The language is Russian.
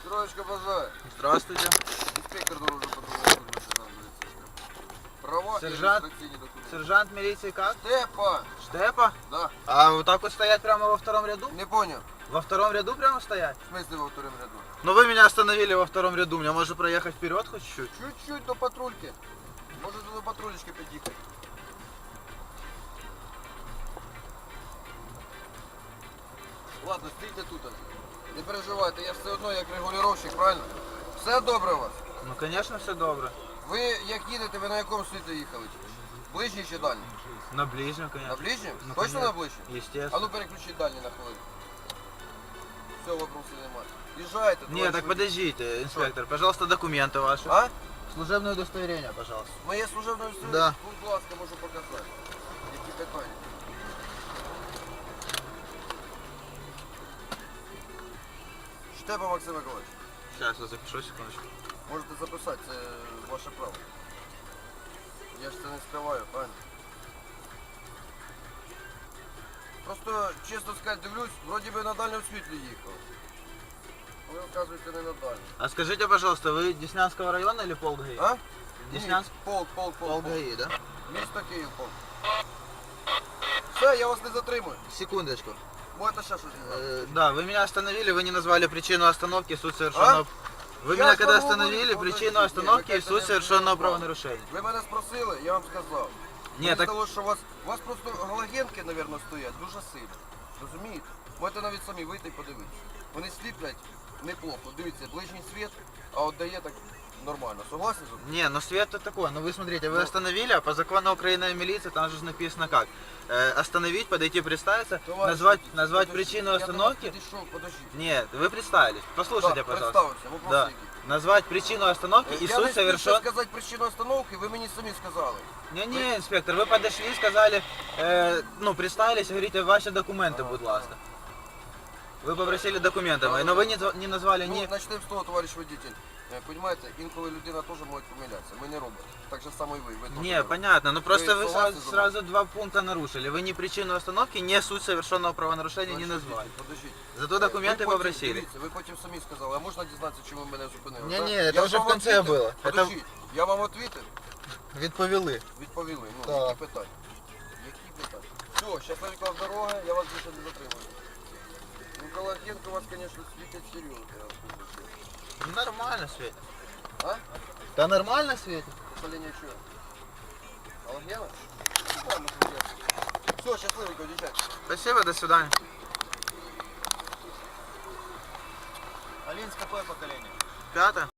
Троечка, бажаю. Здравствуйте. Инспектор дорожного патруля. Права и Сержант. регистрационные документы. Сержант милиции как? Степа! Штепа? Да. А вот так вот стоять прямо во втором ряду? Не понял. Во втором ряду прямо стоять? В смысле во втором ряду? Но вы меня остановили во втором ряду, мне можно проехать вперед хоть чуть-чуть? Чуть-чуть до патрульки. Может до патрулечки подъехать. Ладно, стійте тут. Не переживайте, я ж все одно як регулювальщик, правильно? Все добре у вас? Ну конечно все добре. Ви як їдете, ви на якому світлі їхали? Ближній чи дальній? На ближнем, конечно. На ближнем? Ну, Точно конечно. на ближнем? А Естественно. ну переключіть дальній на хвилину. Все, вопросів немає. Їжджайте, Не, товариш так водій. подождите, инспектор, пожалуйста, документы ваши. А? Служебное удостоверение, пожалуйста. Моє служебне удостоверення? Да. Будь ласка, можу показати. Які питання? Штепа Максим Миколаївич. Сейчас я запишу, секундочку. Можете записати, це ваше право. Я ж це не скриваю, правильно? Просто, чесно сказати, дивлюсь, вроді би на дальньому світлі їхав. Ви, оказуєте, не на дальньому. А скажите, пожалуйста, вы Деснянского района или полк ГАИ? А? Деснянск? Ні, полк. Полк ГАИ, да? Місто Київ, полк. Все, я вас не затримую. Секундочку. Можете ще щось сказати. Да, вы меня остановили, вы не назвали причину остановки, суть совершенного... Вы Я меня ж когда вам говорю, остановили, подождите, причину остановки вы и как-то суть не совершенного понимаете. правонарушения. Ви мене спросили, я вам сказав. Ні, Мені так- здалося, що у вас просто галогенки, мабуть, стоять дуже сильно. Розумієте? Можете навіть самі вийти і подивитися. Вони сліплять неплохо. Дивіться, ближній світ, а от дає так нормально. Согласні з вами? Не, ну свет-то такой, ну вы смотрите, вы Ну. остановили, а по закону Украины о милиции там же написано как? Остановить, подойти, представиться, Товариш назвать водій, назвать подождіть. причину Я до вас остановки. підійшов, подождіть. Нет, вы представились, послушайте, Так, пожалуйста. представився, вопрос Да. який. Назвать причину остановки и Я не суть встиг совершен... сказати причину остановки, ви мені самі сказали. Не, инспектор, вы подошли, сказали, ну, представились, говорите, ваши документы, будь ласка. Вы попросили документы мои, но вы не назвали Ну, ни... почнемо з того, товариш водитель. Понимаете, інколи людина теж може помилятися. Ми не роботи. Так же само і ви. Ви теж Не, не понятно, но просто Вы вы согласны сразу два пункта нарушили. Вы ни причину остановки, ни суть совершенного правонарушения не робите. назвали. Подождіть. Зато документы Ви потім, попросили. Дивіться, ви потім самі сказали, а можна дізнатися, чому ви мене зупинили? Не-не, так? это уже ж в вам конце відповів. было. Подождіть, я вам відповів? Відповіли. Відповіли. Ну, Так. які питання? Які питання? Все, щасливенька дорога, я вас більше не затримую. Николаєнко у вас, конечно, світить серйозно, я вам скажу. Нормально светит. А? Да нормально светит. Управління чого? Алгена? Все, щасливенько, дівчатки. Спасибо, до свидания. Алинс, какое поколение? 5.